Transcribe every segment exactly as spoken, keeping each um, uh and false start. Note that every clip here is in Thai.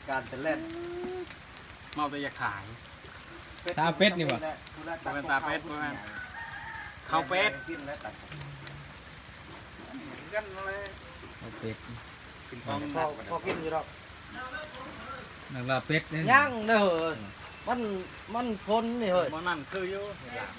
การจะเล่นเมาแต่อยากขายตาเป็ดนี่วะเป็นตาเป็ดใช่ไหมข้าวเป็ดกินแล้วตัดกันเลยเอาเป็ดกินของพอพอกินอยู่ดอกนักลาเป็ดเนี่ยย่างเด้อมันมันพ้นนี่เฮ้ยมันนั่นคืออยู่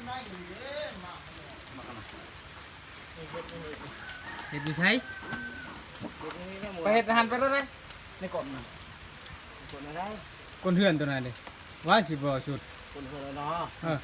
เห็ดดูใช้ไปเห็ดหันไปแล้วไหมในกดมันคนอะไรก้นเฮือนตัวนั้นเลยว่าสิบ่สุดคนคนละเนาะเออ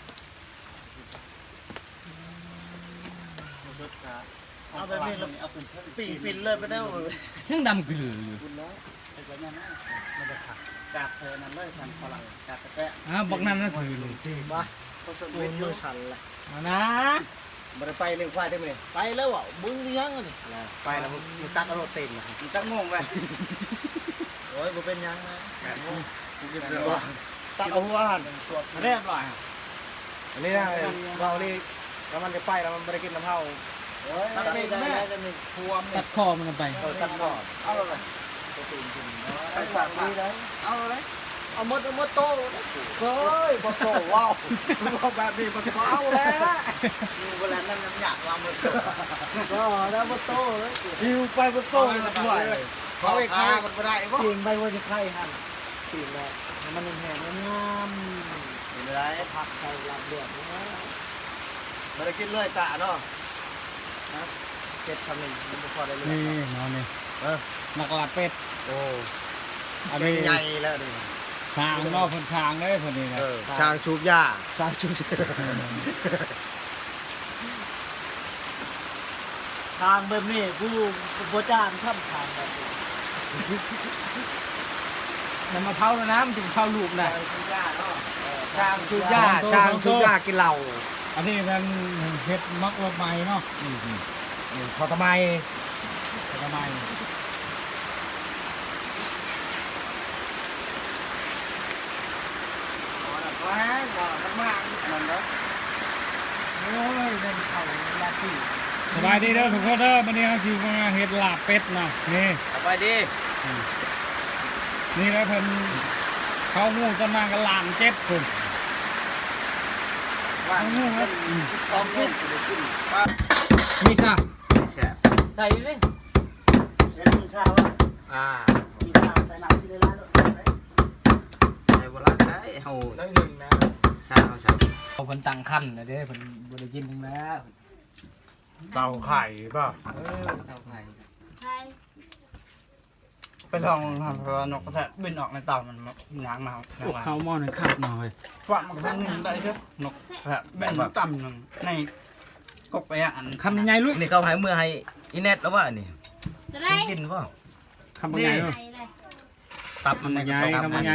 เอาไปนี่เราเอาเป็นปีปินเลยไปได้เลยช่างดำกลืออยู่คุณแล้วไอ้ตัวนี้นะมันจะขัดกาดเธอนั่นเลยทันพลังกาดแปะอ่าบักนั่นนั่นคือเลยมาผสมเป็นมือสั่นละเอานะบ่ได้ไปเรื่องควายได้ไหมไปแล้วอ่ะมึงเลี้ยงอ่ะนี่ไปแล้วมึงตัดเอารถเต็มนะมึงตั้งงงไปโอ้ยบ่เป็นยังนะกูกินเลยว่าตัดเอาหัวหันมาเรียบร้อยอันนี้นะเรานี่แล้วมันจะไปแล้วมันไม่ได้กินน้ำเผาตัดไม่ได้จะมีพวงตัดคอมันไปเออตัดก่อนเอาเลยไปฝากดีเลยเอาเลยเอามดเอามดโตเฮ้ยบอโตว้าวบอกแบบนี้มันว้าวแล้วเวลานั้นมันอยากวางมดโตก็แล้วบอโตเลยหิวไปบอโตเลยด้วยเขาไอ้ข้ามันไม่ได้ปะจริงไปว่าจะไข่หันจริงเลยมันแห้งมันงามไม่ได้ผักใส่หลับเดือดนะไม่ได้กินเลยตาเนาะเจ็ดคำหนึ่งมันพอได้เลยนี่นอนนี่เออนักลาเป็ดโอ้อันเป็นี้นใหญ่แล้วดิช้างนอกคนช้างเลยคนนี้นะช้างชูบหญ้าช้างชูบทางแบบนี้ผู้ผู้จ้างช่ำทางแบบนี้มันมาเผาแล้วนะมันถึงเผาลูกนะช้างชูบหญ้าช้างชูบหญ้ากินเหล้าอันนี้มันเห็ดมักลงไม้เนาะพอทำไมทำไมว้าวมันมากมันเนาะโอ้ยเล่นเข่าลาตีสบายดีเด้อทุกคนเด้อวันนี้เราคือมาเห็ดลาบเป็ดนะนี่ไปดีนี่แล้วเพิ่นเขางูกันมากันลานเจ็ดคนเขางูครับสองขึ้นมีซะแช่ใส่เลยเดี๋ยวมีชาวะอ่ามีชาวใส่หนักที่ได้แล้วในโบราณได้เฮาได้หนึ่งนะชาเขาชาเขาเพิ่นตั้งคันนะเด้เพิ่นบ่ได้กินทั้งแล้วเต่าไข่ป่ะเออเท่าไข่ไปลองทำเพราะนกกระแทกบินออกในเต่ามันง้างมาพวกเขาหม้อนึงขาดหน่อยฟันมันครั้งนึงได้ใช่นกกระแทกแบ่งต่ำหนึ่งในกกไปอ่ะอันคำยังไงลูกนี่เขาให้มือให้อินเน็ตแล้วว่านี่จะได้กินป่ะคำยังไงลูกไหนเลยตับคำยังไงคำยังไง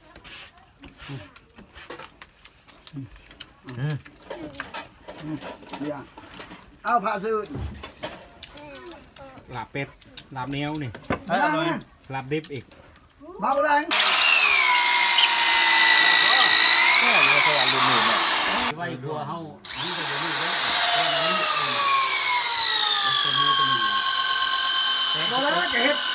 เอาผ่าซื้อลาบเป็ดลาบเนี้ยวนี่เฮ้ยเอาเลยลาบดิบอีกมาแรงไว้ครัวเฮาอันจะบ่มีแล้วมาแล้วจะเห็ด